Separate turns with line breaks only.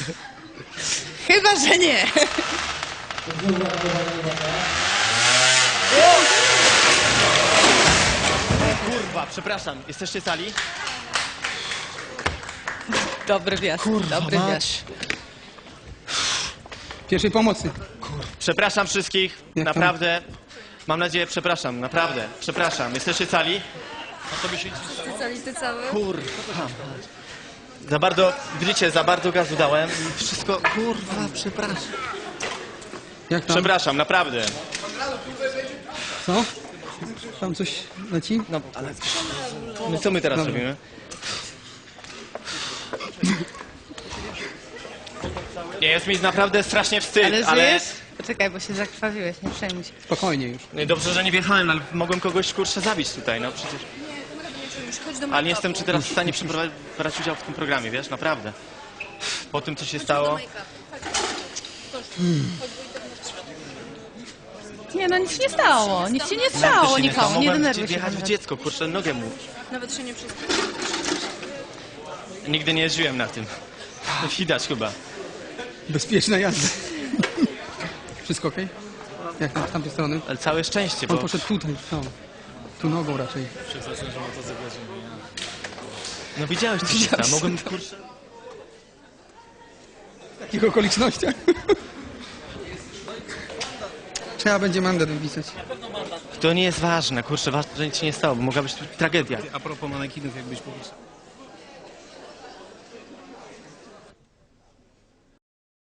Chyba, że nie.
Kurwa, przepraszam, jesteście cali?
Dobry wjazd, dobry wjazd.
Pierwszej pomocy.
Przepraszam wszystkich,
Jak tam?
naprawdę. Mam nadzieję, przepraszam, naprawdę. Przepraszam, jesteście cali?
Ty cały?
Kurwa. Za bardzo, widzicie, za bardzo gazu dałem i wszystko, kurwa, przepraszam.
Jak tam?
Przepraszam, naprawdę.
Co? Tam coś leci?
No, ale... No co my teraz
Dobra.
robimy? Nie, jest mi naprawdę strasznie wstyd,
Ale
ale...
żyjesz? Poczekaj, bo się zakrwawiłeś, nie przejmuj się.
Spokojnie już.
No i dobrze, że nie wjechałem, ale mogłem kogoś, kurczę, zabić tutaj, no przecież... Ale nie jestem czy teraz w stanie brać udział w tym programie, wiesz, naprawdę. Po tym, co się stało...
Nie, no nic się nie stało. Nic się nie stało
Naprawdę się
nikomu. Nie
Mogłem
denerwuj się.
wjechać w dziecko, kurczę, nogę mu.
Nawet się nie wszystko.
Nigdy nie jeździłem na tym. Widać chyba.
Bezpieczna jazda. Wszystko okej? Jak tam z tamtej strony?
Ale całe szczęście,
On
bo...
poszedł tutaj, no. Tu nogą raczej.
No widziałeś, co się stało. Mogłem, kurczę...
W takich okolicznościach. Trzeba będzie mandat wypisać.
To nie jest ważne, kurczę, ważne, że nic się nie stało, bo mogła być tu tragedia.
A propos manekinów, jakbyś powiedział.